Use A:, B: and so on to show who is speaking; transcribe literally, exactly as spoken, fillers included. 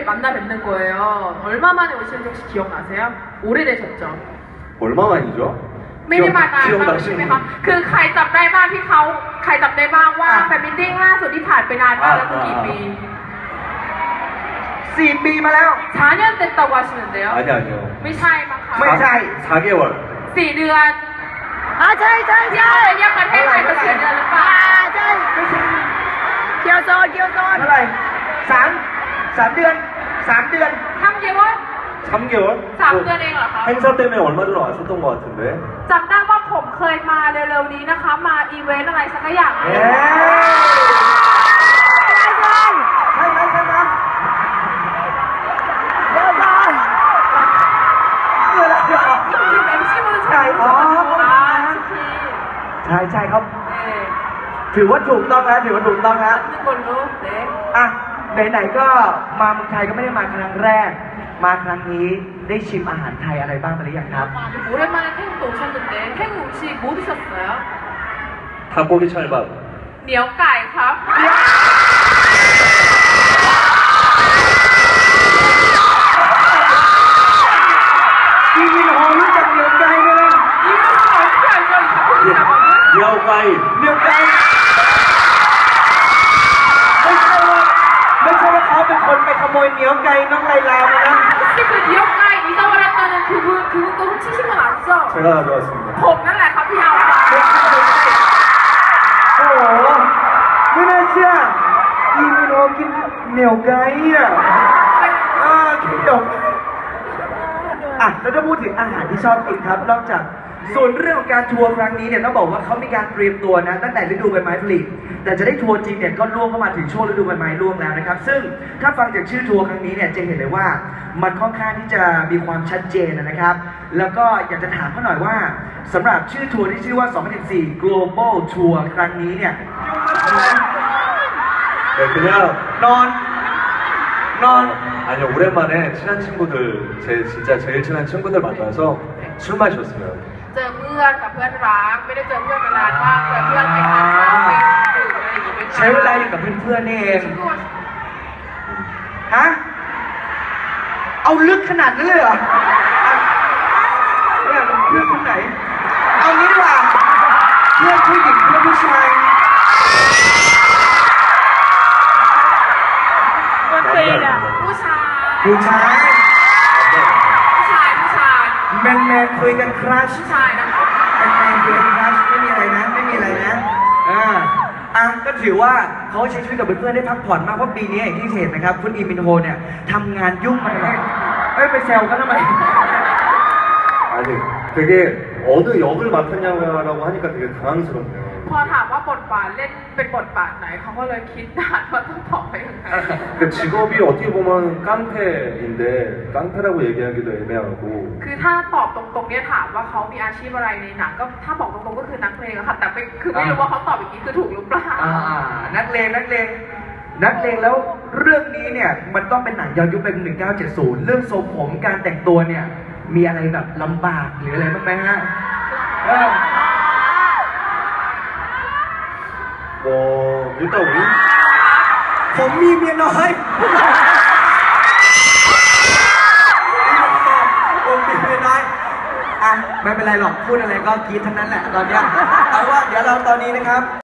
A: 만나 뵙는 거예요. 얼마 만에 오시는지 혹시 기억나세요? 오래되셨죠?
B: 얼마 만이죠?
A: ไม่ได้มานานมากใช่ไหมคะคือใครจำได้บ้างที่เขาใครจำได้บ้างว่าแฟนมิทติ้งล่าสุดที่ผ่านไปนานมากแล้วคือกี่ปี
C: สี่ปีมาแล้ว
A: 사 년 됐다고 하시는데요?
B: 아니 아니요.
A: ไม่ใช่มั้งคะ
C: ไม่ใช่
B: 사 개월.
A: สี่เดือน
D: อ่าใช่ใช่ใช่
A: ยังประเทศไทยเป็นสี่เดือนหรือเปล่า
D: อ่าใช่เกียวโซนเกียวโซน
C: เท่าไหร่สามสามเดือนสามเดือน
A: ทำเยอะวะ
B: 삼 개월?
A: สามเดือนเองเหรอคะ
B: 행사 때문에 얼마 전에 왔었던 것 같은데.
A: จำได้ว่าผมเคยมาเร็วๆนี้นะคะมาอีเวนต์อะไรสักอย่าง
C: เอ๊ะใช่ไหมใช่ไหมเดี๋ยวก่อนเดี๋ยวเดี๋ยว
A: จริงๆ เอ็ม ซี มันใช่อ๋อ
C: ใช่ใช่ครับ
A: เออ
C: ถือว่าถูกต้องแล้วถือว่าถูกต้องแล้ว
A: นึกคนรู้เด็ก
C: อ่ะไหนๆก็มาเมืองไทยก็ไม่ได้มาครั้งแรกมาครั้งนี้ได้ชิมอาหารไทยอะไรบ้างไปหรือยังครับ
A: 오랜만에 태국도 오셨는데 태국 음식 뭐 드셨어요?
B: 닭고기 찰밥.
A: เหนียวไก่ครับ
C: พี่วินโฮรู้จักเหนียวไก่ไหมล่ะ
A: 이름은 어떻게 알죠? 이 닭고기라고는?
B: 야오가이.
C: เหนียวไก่ไม่ใช่ว่าไม่ใช่ว่าเขาเป็นคนไปขโมยเหนียวไก่น้องไลลามานะ
A: 혹시 그 니오가이 잊어버렸다는 그분 그분도 훔치신 건 아니죠?
B: 제가 가져왔습니다.
A: ผมนั่นแหละครับที่เอาไป
C: โอ้โหไม่น่าเชื่อพี่วินโฮกินเหนียวไก่อ่ะอ่ากินเหนียวอ่ะแล้วถ้าพูดถึงอาหารที่ชอบกินครับนอกจากส่วนเรื่องของการทัวร์ครั้งนี้เนี่ยต้องบอกว่าเขามีการเตรียมตัวนะตั้งแต่ฤดูใบไม้ผลิแต่จะได้ทัวร์จริงเนี่ยก็ล่วงเข้ามาถึงช่วงฤดูใบไม้ร่วงแล้วนะครับซึ่งถ้าฟังจากชื่อทัวร์ครั้งนี้เนี่ยจะเห็นเลยว่ามันค่อนข้างที่จะมีความชัดเจนนะครับแล้วก็อยากจะถามเขาหน่อยว่าสำหรับชื่อทัวร์ที่ชื่อว่า สองพันสิบสี่ Global Tour ครั้งนี้เนี่ย
B: 네, 그냥
C: นอนนอน
B: 아니요 오랜만에 친한 친구들 제 진짜 제일 친한 친구들 만나서 술 마셨어요.
A: เจอเพื่อนกับเพื่อนรักไม่ได้เจอเพื่อนมานานมากเจอเพื่อนไปทานข้าวไปดื่มอะไรอย่างงี้ด้วยกัน
C: ใช้เวลาอยู่กับเพื่อนๆนี่เองฮะเอาลึกขนาดนั้นเลยเหรอเนี่ยเพื่อนคนไหนเอางี้ดีกว่าเพื่อนผู้หญิงเพื่อนผู้ชาย
A: คนตีนอ่ะผู้ชาย
C: ผู้ชาย
A: ผู้ชายผู้ชาย
C: แมนแมนคุยกันครัช
A: ผู้ชายนะคะ
C: แมนแมนคุยกันครัชไม่มีอะไรนะไม่มีอะไรนะอ่าอ่ะก็ถือว่าเขาใช้ชีวิตกับเพื่อนๆได้พักผ่อนมากเพราะปีนี้อย่างที่เห็นนะครับคุณอีมินโฮเนี่ยทำงานยุ่งมากเอ้ยไปแซวเขาทำไม
B: 아니 되게 어느 역을 맡았냐고 하니까 되게 당황스럽네요.
A: พอถามว่าบทบาทเล่นเป็นบทบาทไหนเขาก็เลยคิดนานว่าต้องตอบไปยังไง
B: 그 직업이 어떻게 보면 깡패인데 깡패라고 얘기하기도 애매하고.
A: คือถ้าตอบตรงๆเนี่ยถามว่าเขามีอาชีพอะไรในหนังก็ถ้าบอกตรงๆก็คือนักเลงอะค่ะแต่ไม่คือไม่รู้ว่าเขาตอบอย่างนี้คือถูกหรือเปล่า
C: อ่านักเลงนักเลงนักเลงแล้วเรื่องนี้เนี่ยมันต้องเป็นหนังย้อนยุคเป็นหนึ่งเก้าเจ็ดศูนย์เรื่องทรงผมการแต่งตัวเนี่ยมีอะไรแบบลำบากหรืออะไรบ้างไหมฮะเออ
B: 뭐 일단 우리
C: ผมมีเมียน้อยผมมีเมียน้อยอ่ะไม่เป็นไรหรอกพูดอะไรก็กรี๊ดทั้งนั้นแหละตอนเนี้ยเอาว่าเดี๋ยวเราตอนนี้นะครับ